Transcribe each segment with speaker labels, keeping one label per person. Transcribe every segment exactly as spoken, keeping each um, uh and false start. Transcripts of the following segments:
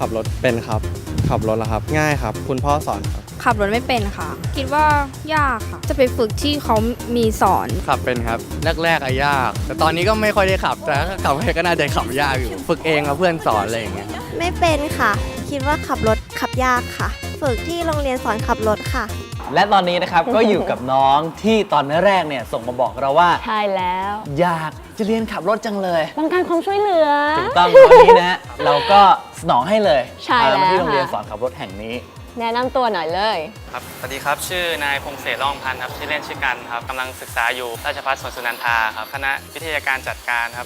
Speaker 1: ขับรถเป็นครับขับรถแล้วครับง่ายครับคุณพ่อสอนครับ
Speaker 2: ขับรถไม่เป็นค่ะคิดว่ายากค่ะจะไปฝึกที่เขามีสอน
Speaker 3: ขับเป็นครับแรกๆอะยากแต่ตอนนี้ก็ไม่ค่อยได้ขับแต่ถ้าขับไปก็น่าจะขับยากอยู่ฝึกเองกับเพื่อนสอนอะไรอย่างเงี้ย
Speaker 4: ไม่เป็นค่ะคิดว่าขับรถขับยากค่ะฝึกที่โรงเรียนสอนขับรถค่ะ
Speaker 5: และตอนนี้นะครับ ก็อยู่กับน้องที่ตอนแรกเนี่ยส่งมาบอกเราว่า
Speaker 6: ใช่แล้ว
Speaker 5: อยากจะเรียนขับรถจังเลย
Speaker 6: ต้องการความช่วยเหลือ
Speaker 5: ถูกต้องวันนี้นะ เราก็สนองให้เลย
Speaker 6: ใช่แล้ว
Speaker 5: มาที่โรงเรียนสอนขับรถแห่งนี้
Speaker 6: แนะนำตัวหน่อยเลย
Speaker 7: ครับสวัสดีครับชื่อนายพงษ์เสร่องพันธ์ครับชื่อเล่นชื่อกันครับกำลังศึกษาอยู่ราชภัฏสวนสุนันทาครับคณะวิทยาการจัดการครับ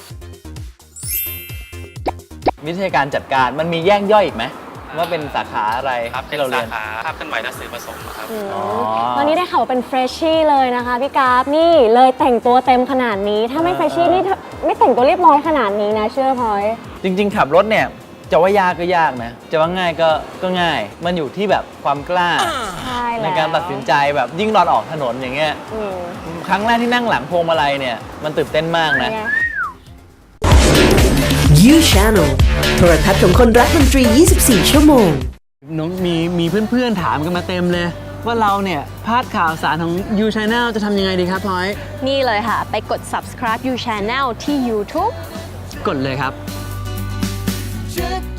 Speaker 5: วิทยาการจัดการมันมีแยกย่อยอีกไหมว่าเป็นสาขาอะไร
Speaker 7: ครับเป็น
Speaker 5: ที่เรา
Speaker 7: สา
Speaker 5: เรียน
Speaker 7: ขาภาพเคลื่อนไหวและสื่อผสมครับ
Speaker 6: วันนี้ได้ข่าวเป็นเฟรชชี่เลยนะคะพี่กราฟนี่เลยแต่งตัวเต็มขนาดนี้ถ้าไม่เฟรชชี่นี่ไม่แต่งตัวเรียบร้อยขนาดนี้นะเชื่อพลอย
Speaker 5: จริงๆขับรถเนี่ยจะว่ายากก็ยากนะจะว่าง่ายก็ก็ง่ายมันอยู่ที่แบบความกล้าในการตัดสินใจแบบยิ่งตอนออกถนนอย่างเงี้ยครั้งแรกที่นั่งหลังพวงมาลัยเนี่ยมันตื่นเต้นมากนะ
Speaker 8: You Channel โทรทัศน์ของคนรักดนตรี ยี่สิบสี่ ชั่วโมง
Speaker 5: น้องมีมีเพื่อนๆถามกันมาเต็มเลยว่าเราเนี่ยพลาดข่าวสารของ You Channel จะทำยังไงดีครับพลอย
Speaker 6: นี่เลยค่ะไปกด subscribe You Channel ที่ YouTube
Speaker 5: กดเลยครับ
Speaker 8: Check